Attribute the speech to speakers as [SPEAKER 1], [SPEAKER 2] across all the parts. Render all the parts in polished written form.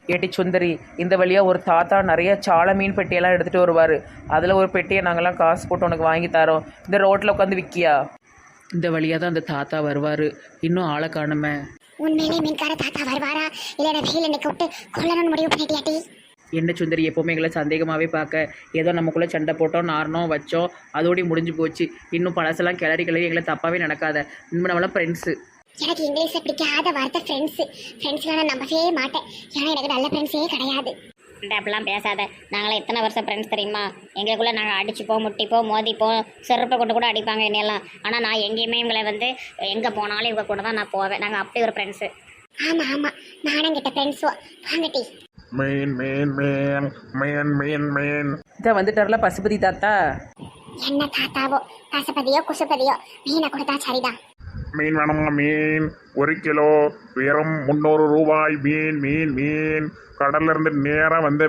[SPEAKER 1] ஏட்டி சுந்தரி, இந்த வழியாக ஒரு தாத்தா நிறைய சால மீன் பெட்டியெல்லாம் எடுத்துகிட்டு வருவார். அதில் ஒரு பெட்டியை நாங்கள்லாம் காசு போட்டு உனக்கு வாங்கி தரோம். இந்த ரோட்டில் உட்காந்து விற்கியா? இந்த வழியாக தான் அந்த தாத்தா வருவார். இன்னும் ஆளை காணுமே.
[SPEAKER 2] உண்மையிலே மீன்கார தாத்தா வருவாரா இல்ல வெயில நிக்க விட்டு கொல்லணும்னு முடிவு பண்ணிட்டியாட்டி?
[SPEAKER 1] என்ன சுந்தரி, எப்போவுமே எங்களை சந்தேகமாகவே பார்க்க. ஏதோ நமக்குள்ளே சண்டை போட்டோம், நாரணம் வச்சோம், அதோடய முடிஞ்சு போச்சு. இன்னும் பழசெல்லாம் கிளறி எங்களை தப்பாகவே நடக்காத. இன்னும் நம்மளாம் ஃப்ரெண்ட்ஸு.
[SPEAKER 2] எனக்கு இங்கிலீஷில் பிடிக்காத வார்த்தை ஃப்ரெண்ட்ஸ்லாம் நான் நம்பவே மாட்டேன். ஏன்னா எனக்கு நல்ல ஃப்ரெண்ட்ஸே கிடையாது.
[SPEAKER 3] அப்படிலாம் பேசாத. நாங்களாம் எத்தனை வருஷம் ஃப்ரெண்ட்ஸ் தெரியுமா? எங்களுக்குள்ளே நாங்கள் அடிச்சுப்போம், முட்டிப்போம், மோதிப்போம், செருப்பை கொண்டு கூட அடிப்பாங்க என்னையெல்லாம். ஆனால் நான் எங்கேயுமே இவங்களை எங்கே போனாலும் இவங்க கூட தான் நான் போவேன். நாங்கள் அப்படி ஒரு ஃப்ரெண்ட்ஸு.
[SPEAKER 2] ஆமாம் நானும் கிட்ட ஃப்ரெண்ட்ஸோ வாங்கட்டி.
[SPEAKER 4] மீன் மீன் மீன் மீன் மீன் மீன்
[SPEAKER 1] இதை வந்துட்டார்ல பசுபதி தாத்தா.
[SPEAKER 2] என்ன தாத்தாவோ பசுபதியோ குசுபதியோ மீனை கொடுத்தா சரிதான்.
[SPEAKER 4] மீன் வேணுமா? மீன் 1 கிலோ வெறும் 300 ரூபாய். மீன் மீன் மீன் கடல்ல இருந்து நேராக வந்த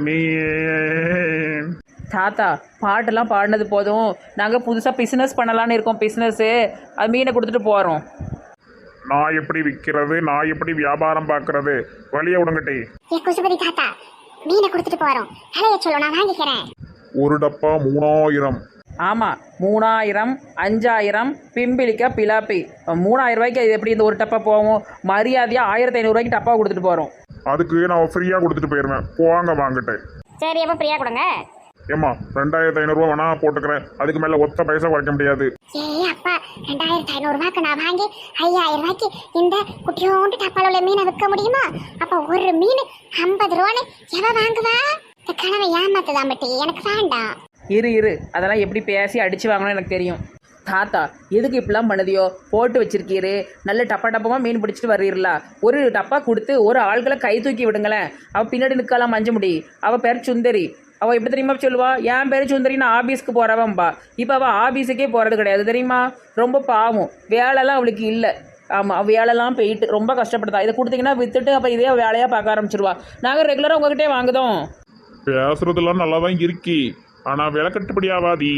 [SPEAKER 4] மீன்.
[SPEAKER 1] தாத்தா, பாட்டெல்லாம் பாடினது போதும். நாங்கள் புதுசாக பிஸ்னஸ் பண்ணலான்னு இருக்கோம். பிஸ்னஸ்ஸு அது மீனை கொடுத்துட்டு போகிறோம்.
[SPEAKER 4] நான் எப்படி விற்கிறது, நான் எப்படி வியாபாரம் பார்க்கறது? வழியை விடுங்கட்டி.
[SPEAKER 2] ஏ குசுபதி தாத்தா, மீனை கொடுத்துட்டு போறோம். விலைய சொல்லு, நான் வாங்கிக்கிறேன்.
[SPEAKER 4] ஒரு டப்பா 3000.
[SPEAKER 1] ஆமாம், 3000, 5000 பிம்பிளிக்கா பிலாப்பி. 3000 ரூபாய்க்கு இது எப்படி இந்த ஒரு டப்பா போகும்? மரியாதையாக 1500 ரூபாய்க்கு டப்பா கொடுத்துட்டு போகிறோம்.
[SPEAKER 4] அதுக்கு நான் ஃப்ரீயாக கொடுத்துட்டு போயிடுவேன். போவாங்க வாங்கிட்டு.
[SPEAKER 3] சரி, அப்போ ஃப்ரீயாக கொடுங்க.
[SPEAKER 4] ஏம்மா 2500 ரூபா வேணா போட்டுக்கிறேன். அதுக்கு மேலே ஒத்த பைசா குறைக்க முடியாது.
[SPEAKER 2] ஏ அப்பா, 2500 ரூபாய்க்கு நான் வாங்கி 5000 ரூபாய்க்கு இந்த குட்டியோண்டு டப்பால உள்ள மீனை விற்க முடியுமா? அப்ப ஒரு மீன் 50 ரூபான்னு எவ வாங்குவா? இந்த கனவை ஏமாத்துதான் பட்டி, எனக்கு வேண்டாம்.
[SPEAKER 1] இரு, அதெல்லாம் எப்படி பேசி அடித்து வாங்கணும்னு எனக்கு தெரியும். தாத்தா, எதுக்கு இப்படிலாம் பண்ணுதியோ? போட்டு வச்சிருக்கீரு, நல்ல டப்பமாக மீன் பிடிச்சிட்டு வர்றீங்களா? ஒரு டப்பா கொடுத்து ஒரு ஆள்களை கை தூக்கி விடுங்களேன். அவள் பின்னாடி நிற்கலாம் மஞ்ச முடி. அவள் பேர் சுந்தரி. அவள் எப்படி தெரியுமா சொல்லுவா? என் பேர் சுந்தரி, நான் ஆஃபீஸ்க்கு போகிறவன்பா. இப்போ அவள் ஆஃபீஸுக்கே போகிறது கிடையாது தெரியுமா? ரொம்ப பாவம், வேலைலாம் அவளுக்கு இல்லை. ஆமாம், அவள் வேலைலாம் போயிட்டு ரொம்ப கஷ்டப்படுதா. இதை கொடுத்தீங்கன்னா விற்றுட்டு அப்போ இதே வேலையாக பார்க்க ஆரம்பிச்சிருவா. நாங்கள் ரெகுலராக உங்ககிட்டே வாங்குதோம்.
[SPEAKER 4] பேசுறதுலாம் நல்லா தான் இருக்கி, ஆனால் விலை கட்டுப்படி ஆகாதி.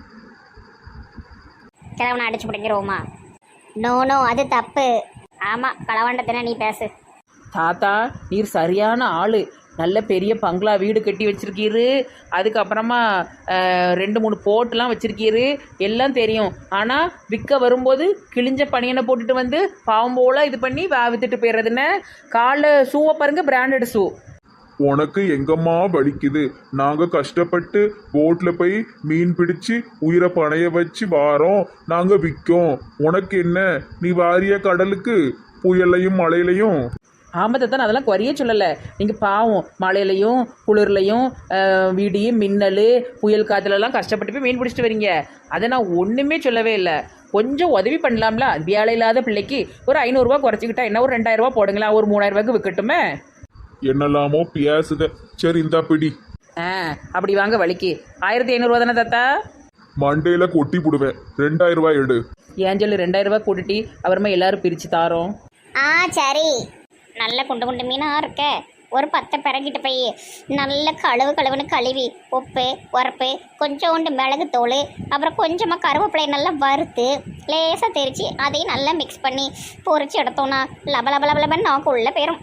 [SPEAKER 3] கிழவனை அடிச்சு பிடிக்கிறோமா? நோ, அது தப்பு. ஆமாம், களவாண்டத்தின நீ பேசு.
[SPEAKER 1] தாத்தா, நீர் சரியான ஆள். நல்ல பெரிய பங்களா வீடு கட்டி வச்சிருக்கீரு. அதுக்கப்புறமா 2-3 போட்டுலாம் வச்சிருக்கீரு. எல்லாம் தெரியும். ஆனால் விற்க வரும்போது கிழிஞ்ச பனியனை போட்டுட்டு வந்து பாவம் போல இது பண்ணி வித்துட்டு போயிடுறதுன்னு. காலில் ஷூவை பாருங்க, பிராண்டட் ஷூ.
[SPEAKER 4] உனக்கு எங்கம்மா வலிக்குது? நாங்கள் கஷ்டப்பட்டு போட்டில் போய் மீன் பிடிச்சி உயிரை பணைய வச்சு வாரோம், நாங்கள் விற்கோம். உனக்கு என்ன? நீ வாரிய கடலுக்கு புயலையும் மழையிலையும்.
[SPEAKER 1] ஆமாம் தான், அதெல்லாம் குறைய சொல்லலை. நீங்கள் பாவம் மழையிலையும் குளிர்லையும் விடியும் மின்னல் புயல் காற்றுலலாம் கஷ்டப்பட்டு போய் மீன் பிடிச்சிட்டு வரீங்க. அதை நான் ஒன்றுமே சொல்லவே இல்லை. கொஞ்சம் உதவி பண்ணலாம்ல? வேலை இல்லாத பிள்ளைக்கு ஒரு 500 ரூபா குறைச்சிக்கிட்டா என்ன? ஒரு 2000 ரூபா போடுங்களா, ஒரு 3000 ரூபாய்க்கு விற்கட்டுமே.
[SPEAKER 4] என்னெல்லாமோ பேசுத. சரி, இந்தா பிடி.
[SPEAKER 1] அப்படி வாங்க வலிக்கு. 1500 ரூபா தானே தாத்தா?
[SPEAKER 4] மண்டையில் கொட்டி போடுவேன். 2000 ரூபாய் எடு.
[SPEAKER 1] ஏஞ்சல் 2000 ரூபா கூட்டிட்டு அப்புறமா எல்லாரும் பிரித்து தாரோம்.
[SPEAKER 3] சரி. நல்ல குண்டு மீனாக இருக்க. ஒரு 10 பிறகிட்டு போய் நல்ல கழுவுன்னு கழுவி உப்பு உரப்பு கொஞ்சோண்டு மிளகு தூள் அப்புறம் கொஞ்சமாக கருவேப்பிலையை நல்லா வறுத்து லேசாக தெரித்து அதையும் நல்லா மிக்ஸ் பண்ணி பொரிச்சு எடுத்தோன்னா லபலபலபலபன்னு நாக்கு உள்ளே போயிடும்.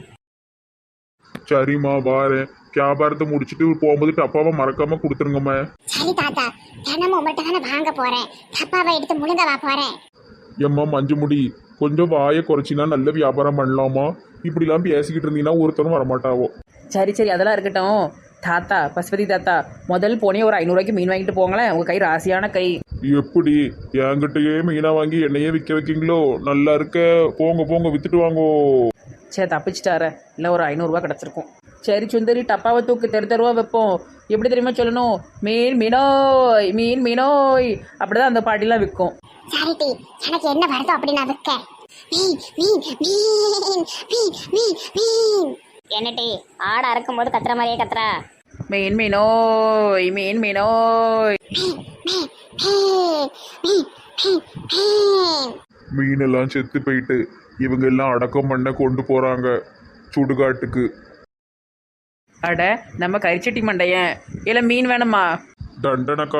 [SPEAKER 4] சரிம்மா, வாரேன். வியாபாரத்தை முடிச்சுட்டு போகும்போது டப்பாவை மறக்காம கொடுத்துருங்கம்மா.
[SPEAKER 2] சரி தாத்தா, தினமும் உங்கள்கிட்ட தானே வாங்க போறேன். டப்பாவை எடுத்து முழுங்கவா போறேன்.
[SPEAKER 4] எம்மா மஞ்சு முடி, கொஞ்சம் வாயை குறைச்சினா நல்ல வியாபாரம் பண்ணலாமா? இப்படிலாம் பேசிக்கிட்டு இருந்தீங்கன்னா ஒருத்தரும் வரமாட்டாவோ.
[SPEAKER 1] சரி, அதெல்லாம் இருக்கட்டும். தாத்தா, பசுபதி தாத்தா, முதல் போனே ஒரு 500 ரூபாய்க்கு மீன் வாங்கிட்டு போங்களேன். உங்கள் கை ராசியான கை.
[SPEAKER 4] எப்படி என்கிட்டயே மீனா வாங்கி என்னையே விற்க வைக்கீங்களோ? நல்லா இருக்க. போங்க வித்துட்டு வாங்கோ.
[SPEAKER 1] சரி, தப்பிச்சிட்டார. இல்லை ஒரு 500 ரூபா கிடச்சிருக்கும். சரி சுந்தரி, டப்பாவை தூக்கு, தெருவா வைப்போம். எப்படி தெரியுமா சொல்லணும்? மீன் மீனோய் அப்படிதான் அந்த பாட்டிலாம் விற்கும்.
[SPEAKER 2] சரிட்டி, எனக்கு என்ன வருதோ அப்படி நான் விற்க. மீன்.
[SPEAKER 3] என்னட்டி ஆடை அறுக்கும்போது கத்துற மாதிரியே கத்துறா?
[SPEAKER 1] மீனோய்.
[SPEAKER 4] மீனெல்லாம் செத்து போயிட்டு இவங்க எல்லாம் அடக்கம் பண்ண கொண்டு போறாங்க சுடுகாட்டுக்கு.
[SPEAKER 1] அட, நம்ம கரிச்சட்டி மண்டையன். இல்லை மீன் வேணுமா?
[SPEAKER 4] டண்டனக்கா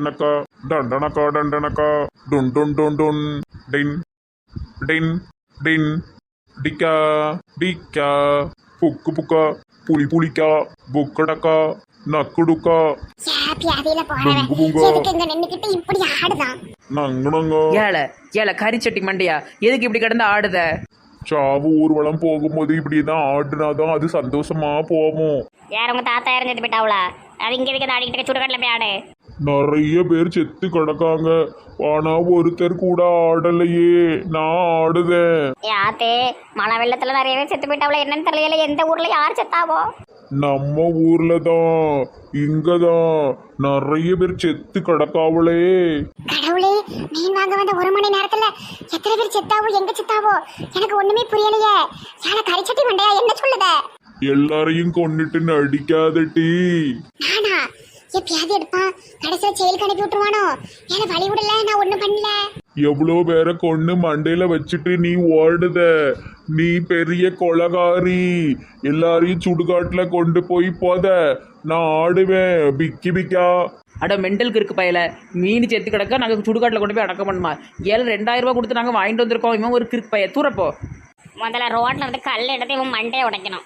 [SPEAKER 4] டுன் டுன் டுன் டுன் டின் டின் டின் டிக்கா புக்கு புக்கா புலிக்கா புக்கடக்கா நக்குடுக்கா
[SPEAKER 2] பியாதியில போறவன்
[SPEAKER 4] பூங்கா.
[SPEAKER 2] எதுக்கு இங்க நின்னுக்கிட்டு இப்படி ஆடுதான்?
[SPEAKER 4] நங்கனங்க
[SPEAKER 1] ஏழை கரிச்சட்டி மண்டையா எதுக்கு இப்படி கிடந்து ஆடுத?
[SPEAKER 4] சாவு ஊர்வலம் போகும்போது இப்படிதான் ஆடுனாதான் அது சந்தோஷமா போவோம்.
[SPEAKER 3] யார் உங்க தாத்தா இறந்து போயிட்டாவளா? அது இங்கே இருக்க ஆடிக்கிட்டு சுடுகாட்டில் போய் ஆடு.
[SPEAKER 4] நிறைய பேர் செத்து கிடக்காங்க, ஆனா ஒருத்தர் கூட ஆடலையே. நான் ஆடுதேன்.
[SPEAKER 3] யாத்தே மழை வெள்ளத்துல நிறைய பேர் செத்து போயிட்டாவளா? என்னன்னு தெரியல. எந்த ஊர்ல யார் செத்தாவோ?
[SPEAKER 4] நம்ம ஊர்ல தான், இங்கதான் நிறைய பேர் செத்து கிடக்காவளே.
[SPEAKER 2] கடவுளே, மீன் வாங்க வந்த 1 மணி நேரத்துல எத்தனை பேர் செத்தாவோ, எங்க செத்தாவோ எனக்கு ஒண்ணுமே புரியலையே. யார கரிச்சட்டி மண்டையா என்ன சொல்லுத?
[SPEAKER 4] எல்லாரையும் கொன்னுட்டு நடிக்காதட்டி.
[SPEAKER 2] நானா? பியாதி எடுப்பான், கடைசியில செயலுக்கு அனுப்பி விட்டுருவானோ? ஏன்னா வழி விடல, நான் ஒண்ணும் பண்ணல.
[SPEAKER 4] எவ்வளோ பேரை கொன்னு மண்டையில வச்சுட்டு நீ ஓடுத. நீ பெரிய கொலகாரி. எல்லாரையும் சுடுகாட்டுல கொண்டு போய் போத. நான் ஆடுவேன் பிக்கி பிக்கா.
[SPEAKER 1] அட மெண்டலுக்கு இருக்கு பயல, மீன் செத்து கிடக்க நாங்கள் சுடுகாட்டில் கொண்டு போய் அடக்கம் பண்ணுமா? 2000 ரூபாய் கொடுத்து நாங்கள் வாங்கிட்டு வந்திருக்கோம். இவன் ஒரு கிறுக்கு பைய, தூரப்போ.
[SPEAKER 3] முதல்ல ரோட்ல இருந்து கல் எடுத்து இவன் மண்டையை உடைக்கணும்.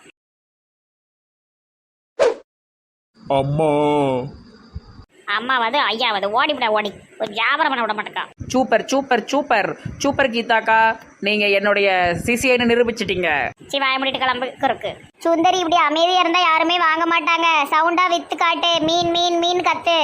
[SPEAKER 4] அம்மா
[SPEAKER 3] அம்மாவது ஐயாவது ஓடிவிட ஓடி ஒரு வியாபாரம் பண்ண விட மாட்டேக்கா.
[SPEAKER 1] சூப்பர் சூப்பர் சூப்பர் சூப்பர் கீதாக்கா, நீங்கள் என்னுடைய சிசிஐன்னு நிரூபிச்சிட்டீங்க.
[SPEAKER 3] சி வாய முடிட்டு கிளம்பு இருக்கு. சுந்தரி இப்படி அமைதியா இருந்தா யாருமே வாங்க மாட்டாங்க. சவுண்டா வித்து காட்டு. மீன் மீன் மீன் கத்து.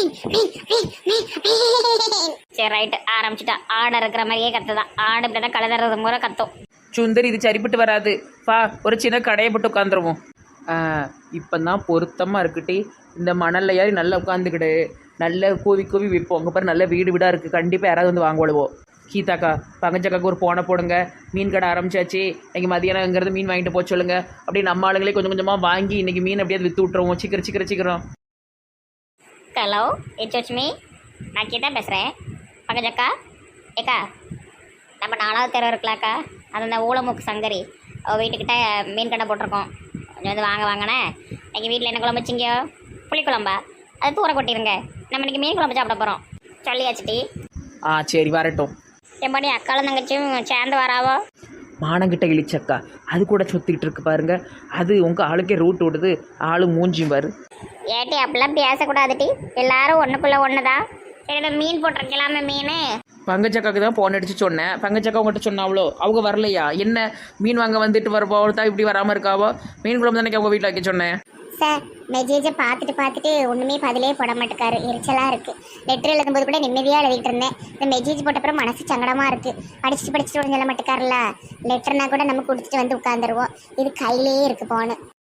[SPEAKER 3] சரி ரைட்டு ஆரம்பிச்சுட்டா. ஆடை இருக்கிற மாதிரியே கத்துதான். ஆடு இப்படிதான் கலதறது முறை கத்தும்.
[SPEAKER 1] சுந்தரி இது சரிப்பட்டு வராது. வா ஒரு சின்ன கடையை போட்டு உட்காந்துருவோம். இப்போ தான் பொருத்தமாக இருக்குட்டி. இந்த மணல்ல ஏறி நல்லா உட்காந்துக்கிடு. நல்ல கூவி கூவி விற்போம். அங்கே பாரு நல்ல வீடு வீடாக இருக்குது. கண்டிப்பாக யாராவது வந்து வாங்குவோம். கீதாக்கா பங்கச்சக்காக்கு ஒரு போனை போடுங்க. மீன் கடை ஆரம்பிச்சாச்சு. இன்றைக்கி மதியானங்கிறது மீன் வாங்கிட்டு போக சொல்லுங்க. அப்படி நம்ம ஆளுங்களே கொஞ்சம் கொஞ்சமாக வாங்கி இன்றைக்கி மீன் அப்படியே விற்று விட்டுருவோம். சீக்கிரம் சீக்கிரம் சீக்கிரம்.
[SPEAKER 3] Hello it's me. நான் கீதா பேசுகிறேன். பங்கஜக்கா ஏக்கா, நம்ம 4வது தெரு இருக்கலாக்கா, அது அந்த ஊளமுக்கு சங்கரி அவள் வீட்டுக்கிட்ட மீன் கடை போட்டிருக்கோம். கொஞ்சம் வந்து வாங்க வாங்கினே. எங்கள் வீட்டில் என்ன குழம்பு வச்சிங்க? புளிக்குழம்பா? அது தூர கொட்டிடுங்க. நம்ம இன்றைக்கி மீன் குழம்பு சாப்பிட போகிறோம். சொல்லியாச்சுட்டி.
[SPEAKER 1] சரி வரட்டும்.
[SPEAKER 3] எப்படி அக்காலும் தங்கச்சியும் சேர்ந்து வராவோ?
[SPEAKER 1] மானங்கிட்ட இழிச்சக்கா அது கூட சுற்றிக்கிட்டு இருக்கு பாருங்க. அது உங்கள் ஆளுக்கே ரூட் விடுது. ஆளு மூஞ்சியும் பாரு.
[SPEAKER 3] ஏட்டி அப்படிலாம் பேசக்கூடாதுட்டி. எல்லாரும் ஒன்றுக்குள்ளே ஒன்று தான். சரி இப்போ மீன் போட்டிருக்கலாமே மீன்.
[SPEAKER 1] பங்கச்சக்காக்கு தான் போன் அடிச்சு சொன்னேன். பங்கச்சக்கா உங்கள்கிட்ட சொன்னாவளோ? அவங்க வரலையா? என்ன மீன் வாங்க வந்துட்டு வரப்போ தான் இப்படி வராமல் இருக்காவோ? மீன் குழம்பு தானே அவங்க வீட்டில் வைக்க சொன்னேன்.
[SPEAKER 2] சார் மெசேஜை பார்த்துட்டு ஒண்ணுமே பதிலே போட மாட்டேக்காரு. எரிச்சலா இருக்கு. லெட்டர் எழுதும்போது கூட நிம்மதியா எழுதிட்டு இருந்தேன். இந்த மெசேஜ் போட்ட அப்புறம் மனசு சங்கடமா இருக்கு. படிச்சுட்டு சொல்ல மாட்டேக்காருல்ல. லெட்டர்னா கூட நம்ம கொடுத்துட்டு வந்து உட்காந்துருவோம். இது கையிலேயே இருக்கு போன.